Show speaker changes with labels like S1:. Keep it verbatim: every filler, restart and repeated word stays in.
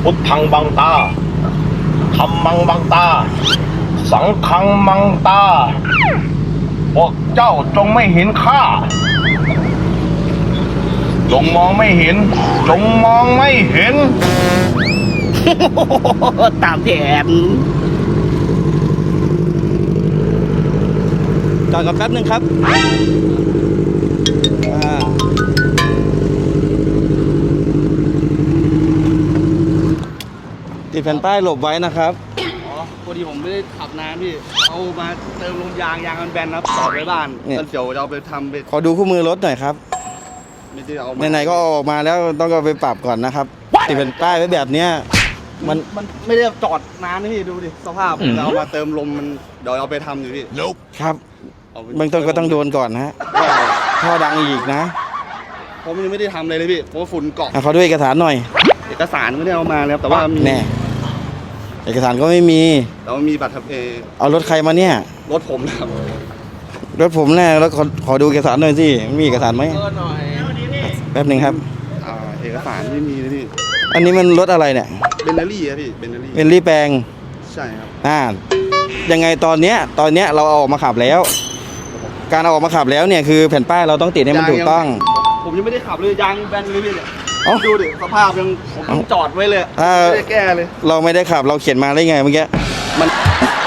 S1: พุทธังบังตาธัมมังบังตาสังฆังบังตาพวกเจ้าจงไม่เห็นข้าจงมองไม่เห็นจงมองไม่เห็น
S2: ตามแผนจอดกันแป๊บนึงครับติดแผ่นป้ายหลบไว้นะครับอ๋อพอดีผมไม่ได้ขับนานพี่เอามาเติมลมยางยางมันแบนครับจอดไว้บ้านแล้วเดี๋ยวจะเอาไปทำไปขอดูคู่มือรถหน่อยครับไม่ได้เอาไหนๆก็ออกมาแล้วต้องเอาไปปรับก่อนนะครับติดแผ่นป้ายไว้แบบเนี้ยมันมันไม่ได้จอดนานนะพี่ดูดิสภาพเรามาเติมลมมันเดี๋ยวเอาไปทำอยู่พี่ครับเบื้องต้นก็ต้องโดนก่อนนะฮะท่อดังอีกนะผมยังไม่ได้ทำเลยเลยพี่เพราะว่าฝุ่นเกาะเขาด้วยเอกสารหน่อยเอกสารไม่ได้เอามาแล้วแต่ว่ามีแน่เอกสารก็ไม่มีแต่ว่ามีบัตรทะเบียนเอารถใครมาเนี่ยรถผมครับรถผมแน่แล้วขอขอดูเอกสารหน่อยสิมีเอกสารไหมแป๊บหนึ่งครับอ่าเอกสารไม่มีเลยพี่อันนี้มันรถอะไรเนี่ยเบนเนอรี่ครับพี่เบนเนอรี่เบนเนอรี่แปลงใช่ครับอ่ายังไงตอนเนี้ยตอนเนี้ยเราเอาออกมาขับแล้วการเอาออกมาขับแล้วเนี่ยคือแผ่นป้ายเราต้องติดให้มันถูกต้องผมยังไม่ได้ขับเลยยางแบนเลยพี่เนี่ยดูดิสภาพยังผมจอดไว้เลยไม่ได้แก้เลยเราไม่ได้ขับเราเขียนมาได้ไงเมื่อกี้มัน